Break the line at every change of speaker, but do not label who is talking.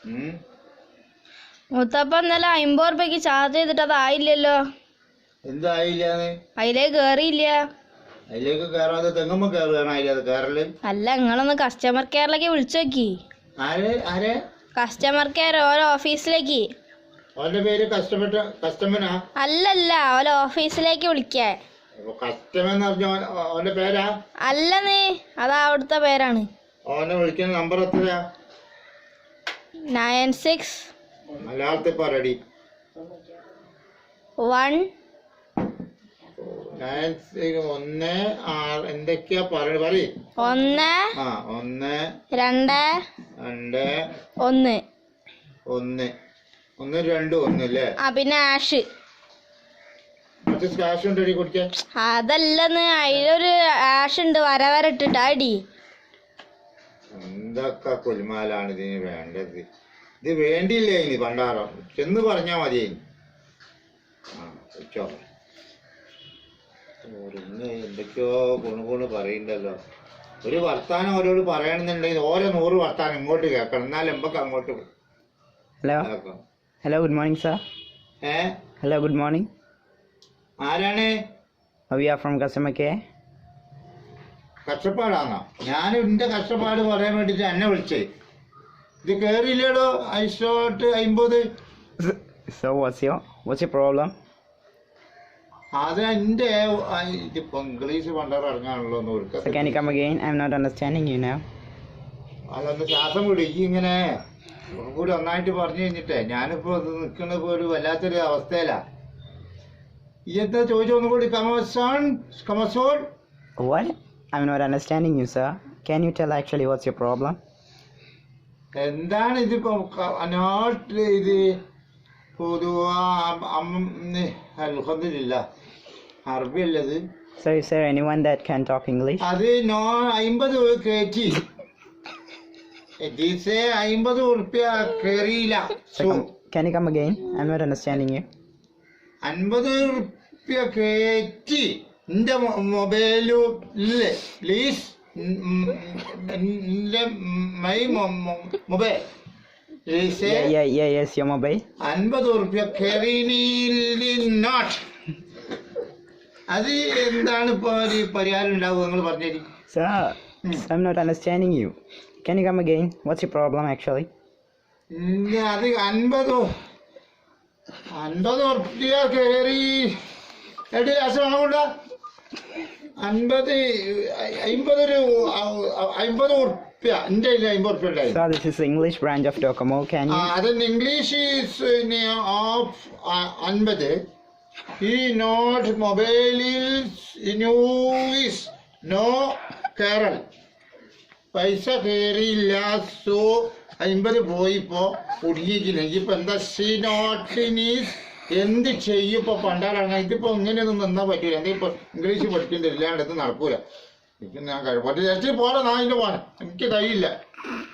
മുത്തപ്പ ഇന്നലെ 50 രൂപയ്ക്ക് ചാർജ് ചെയ്തിട്ട് അതായില്ലല്ലോ.
എന്തായില്ലാന്ന്?
അതിലേക്ക് കേറിയില്ല.
അതിലേക്ക് കേറാതെ തെങ്ങുമ്പോ കേറല്.
അല്ല, നിങ്ങളൊന്ന് കസ്റ്റമർ കെയറിലേക്ക് വിളിച്ചു നോക്കി. കസ്റ്റമർ കെയർ ഓരോ ഓഫീസിലേക്ക്.
ഓന്റെ പേര് കസ്റ്റമറാ?
അല്ലല്ല, ഓരോ ഓഫീസിലേക്ക് വിളിക്കാൻ.
ഓന്റെ പേരാ?
അല്ലെന്നേ, അതാ അവിടുത്തെ പേരാണ്.
ഓനെ വിളിക്കുന്ന നമ്പർ എത്രയാ?
96
മലയാളത്തിൽ പറയടി.
1
എന്തൊക്കെയാ പറയ?
1 2 1
1 2 1 അല്ലേ?
പിന്നെ ആഷ്.
സ്കാഷ് ഉണ്ടടി കുടിക്കാൻ?
അതല്ലെന്ന്, അതിലൊരു ആഷ് ഉണ്ട് വര ഇട്ടിട്ട് അടി.
എന്തൊക്കെ കുൽമാലാണ് ഇതിന് വേണ്ടത്? ഇത് വേണ്ടിയില്ലേ ഇനി പണ്ടാറോ? ചെന്ന് പറഞ്ഞാ മതി. എന്തൊക്കെയോ കുണുകുണ് പറയണ്ടല്ലോ. ഒരു വർത്താനം ഓരോട് പറയണമെന്നുണ്ടെങ്കിൽ ഓരോ 100 വർത്താനം ഇങ്ങോട്ട് കേൾക്കണം, എന്നാലും എമ്പൊക്കെ അങ്ങോട്ട്.
Hello good morning sir. Hello good morning.
ആരാണ്?
We are from customer care.
കഷ്ടപ്പാടാണോ? ഞാൻ എന്റെ കഷ്ടപ്പാട് പറയാൻ വേണ്ടിട്ട് എന്നെ വിളിച്ചേ. ഇത് കേറിയില്ലേടോ ഐഷോട്ട് 50.
So what's your problem?
അത് എന്റെ ഇതിപ്പോ ഇംഗ്ലീഷ് പണ്ടാറ് ഇറങ്ങാണല്ലോ.
So can you come again? I'm not understanding you now.
അതൊന്ന് ശ്വാസം വിടും. ഈ ഇങ്ങനെ കൂടി ഒന്നായിട്ട് പറഞ്ഞു കഴിഞ്ഞിട്ടേ ഞാനിപ്പോ നിൽക്കുന്നത് ഒരു വല്ലാത്തൊരു അവസ്ഥയിലാ. ഈ എന്താ ചോദിച്ചൊന്നും കൂടി? കമസോൺ.
What? I'm not understanding you, sir. Can you tell actually what's your problem?
എന്താണ് ഇതിപ്പോ? ഇത് അറബി അല്ലത്.
So is there anyone that can talk English?
അത് 50 കയറ്റി. 50 ഉറുപ്പ്യ കേറിയില്ല.
Can you come again? I'm not understanding you.
50 ഉറുപ്പ്യ കയറ്റി എന്റെ മൊബൈലില്. Please my mobile.
Yes, your mobile.
50 ഉറുപ്പ്യ നോട്ട്. അത് എന്താണ് ഇപ്പൊ ഒരു പരിഹാരം ഉണ്ടാവും? നിങ്ങൾ പറഞ്ഞേരി.
Sir, I'm not understanding you. Can you come again? What's your problem actually?
അത് 50 ഉറുപ്പ്യ കേറി. എടി അസുഖം കൊണ്ട 50 ഉറുപ്പ്യ എന്റെ 50 ഉറുപ്പ്യ ഉണ്ടായി.
Sir, this is the English branch of Docomo. Can you?
അതിന് ഇംഗ്ലീഷ് ഓഫ് 50. ഈ നോട്ട് മൊബൈലിൽ നോ കേരൾ. പൈസ കയറിയില്ല. സോ 50 പോയിപ്പോ കുടുങ്ങിക്കില്ല. ഇപ്പൊ എന്താ നോട്ടിനീസ് എന്ത് ചെയ്യും? ഇപ്പൊ പണ്ടാലാണ്. ഇതിപ്പോ ഇങ്ങനെയൊന്നും നിന്നാ പറ്റൂല. എന്തെങ്കിലും ഇംഗ്ലീഷ് പഠിക്കേണ്ടി ഇല്ലാണ്ട് ഇത് നടക്കൂല. എനിക്ക് ഞാൻ കഴിവ് പോരാ. നാ ഇതിന്റെ പോരാ, എനിക്ക് കഴിയില്ല.